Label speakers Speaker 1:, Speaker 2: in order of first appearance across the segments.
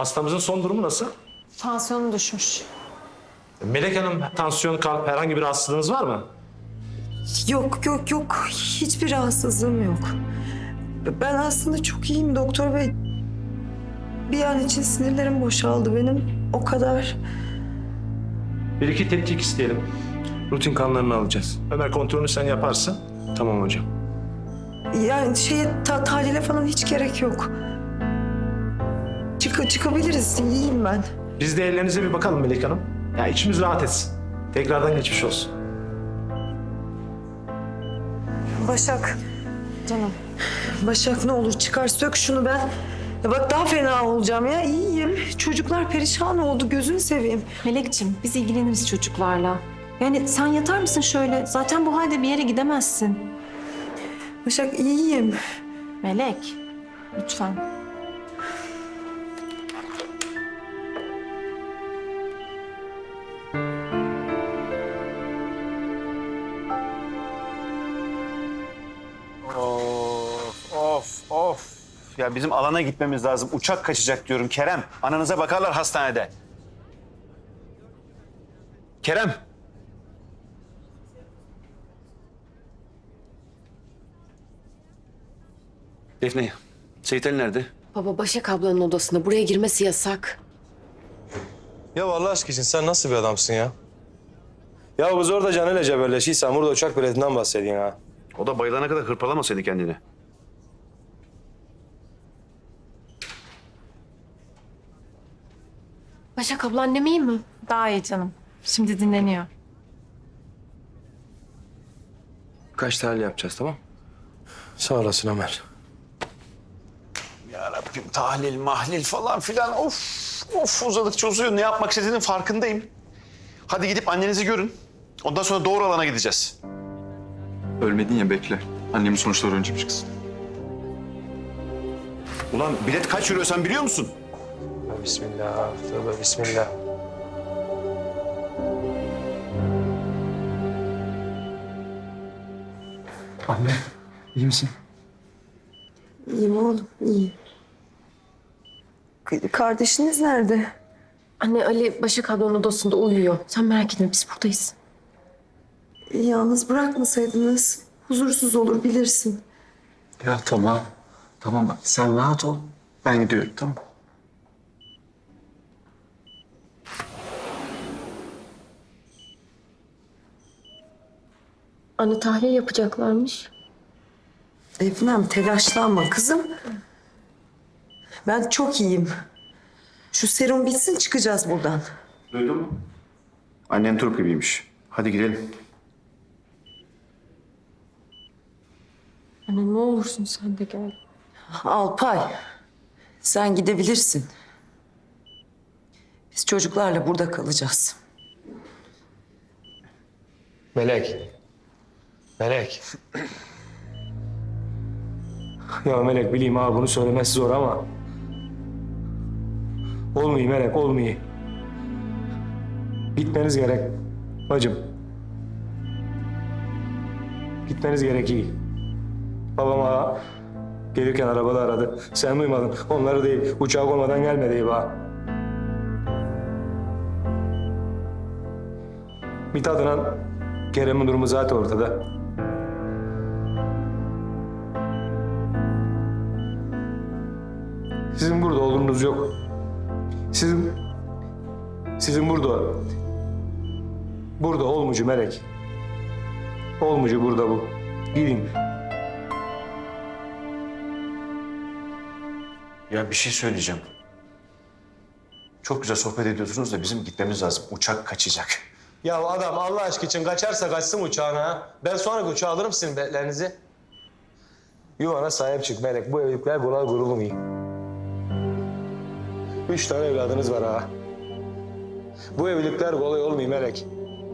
Speaker 1: Hastamızın son durumu nasıl?
Speaker 2: Tansiyonu düşmüş.
Speaker 1: Melek Hanım, tansiyon, kalp herhangi bir rahatsızlığınız var mı?
Speaker 3: Yok. Hiçbir rahatsızlığım yok. Ben aslında çok iyiyim doktor bey. Bir an için sinirlerim boşaldı benim. O kadar.
Speaker 1: Bir iki tetkik isteyelim. Rutin kanlarını alacağız. Ömer kontrolünü sen yaparsın.
Speaker 4: Tamam hocam.
Speaker 3: Yani tahlile falan hiç gerek yok. Çıkabiliriz. İyiyim ben.
Speaker 1: Biz de ellerinize bir bakalım Melek Hanım. Ya içimiz rahat etsin. Tekrardan geçmiş olsun.
Speaker 3: Başak.
Speaker 2: Canım.
Speaker 3: Başak ne olur çıkar sök şunu ben. Ya bak daha fena olacağım ya. İyiyim. Çocuklar perişan oldu. Gözünü seveyim.
Speaker 2: Melekciğim biz ilgileniriz çocuklarla. Yani sen yatar mısın şöyle? Zaten bu halde bir yere gidemezsin.
Speaker 3: Başak iyiyim.
Speaker 2: Melek, lütfen.
Speaker 5: Of. Ya bizim alana gitmemiz lazım. Uçak kaçacak diyorum Kerem. Ananıza bakarlar hastanede. Kerem. Defne, Seyit Ali nerede?
Speaker 6: Baba Başak ablanın odasında. Buraya girmesi yasak.
Speaker 4: Ya Allah aşkına için sen nasıl bir adamsın ya? Ya biz orada canıyla cebelleşiysen burada uçak biletinden bahsedin ha.
Speaker 5: O da bayılana kadar hırpalamasaydı kendini.
Speaker 6: Başak abla annem iyi mi?
Speaker 2: Daha iyi canım. Şimdi dinleniyor.
Speaker 4: Kaç tahlil yapacağız tamam? Sağ olasın Ömer.
Speaker 5: Ya Rabbim tahlil, mahlil falan filan. Of uzadıkça uzuyor. Ne yapmak istediğinin farkındayım. Hadi gidip annenizi görün. Ondan sonra doğru alana gideceğiz.
Speaker 7: Ölmedin ya bekle. Annemin sonuçları önce bir çıksın.
Speaker 5: Ulan bilet kaç euro sen biliyor musun?
Speaker 4: Bismillah, tövbe bismillah.
Speaker 7: Anne, iyi misin?
Speaker 3: İyiyim oğlum, iyiyim. Kardeşiniz nerede?
Speaker 6: Anne Ali Başak ablanın odasında uyuyor. Sen merak etme biz buradayız.
Speaker 3: Yalnız bırakmasaydınız huzursuz olur bilirsin.
Speaker 7: Ya tamam. Tamam bak sen rahat ol. Ben gidiyorum tamam.
Speaker 6: Anne tahlil yapacaklarmış.
Speaker 3: Efendim telaşlanma kızım. Ben çok iyiyim. Şu serum bitsin çıkacağız buradan.
Speaker 5: Duydun mu? Annen turp gibiymiş. Hadi gidelim.
Speaker 6: Anne ne olursun sen de gel.
Speaker 3: Alpay, sen gidebilirsin. Biz çocuklarla burada kalacağız.
Speaker 4: Melek. Melek. Ya Melek bileyim ha bunu söylemesi zor ama... Olmuyor Melek, olmuyor. Gitmeniz gerek bacım. Gitmeniz gerek iyi. Babam ha gelirken arabada aradı. Sen duymadın. Onları değil, uçağa olmadan gelme deyip ha. Mithat'la Kerem'in durumu zaten ortada. Sizin burada olduğunuz yok. Sizin burada olmucu Melek. Olmucu burada bu. Gidin.
Speaker 5: Ya bir şey söyleyeceğim. Çok güzel sohbet ediyorsunuz da bizim gitmemiz lazım. Uçak kaçacak.
Speaker 4: Ya adam Allah aşkı için kaçarsa kaçsın uçağına ha. Ben sonraki uçağa alırım sizin biletlerinizi. Yuvana sahip çık Melek. Bu evlilikler kolay kurulmuyor. 3 tane evladınız var ha. Bu evlilikler kolay olmuyor Melek.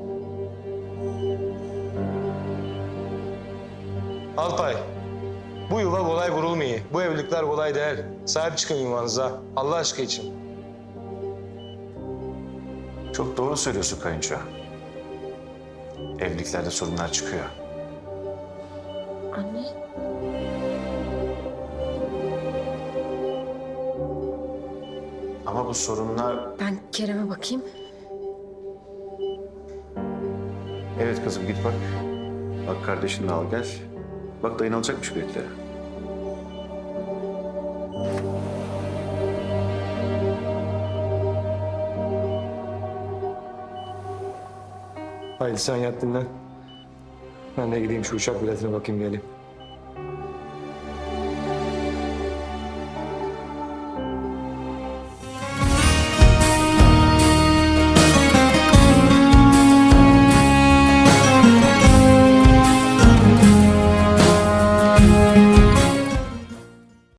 Speaker 4: Alpay, bu yuva kolay kurulmuyor. Bu evlilikler kolay değil. Sahip çıkın yuvanıza. Allah aşkı için.
Speaker 5: Çok doğru söylüyorsun kayınço. Evliliklerde sorunlar çıkıyor.
Speaker 6: Anne.
Speaker 5: Ama bu sorunlar...
Speaker 6: Ben Kerem'e bakayım.
Speaker 5: Evet kızım git bak. Bak kardeşini de al gel. Bak dayın alacakmış biletleri.
Speaker 4: Haydi sen yat dinlen. Ben de gideyim şu uçak biletine bakayım geleyim.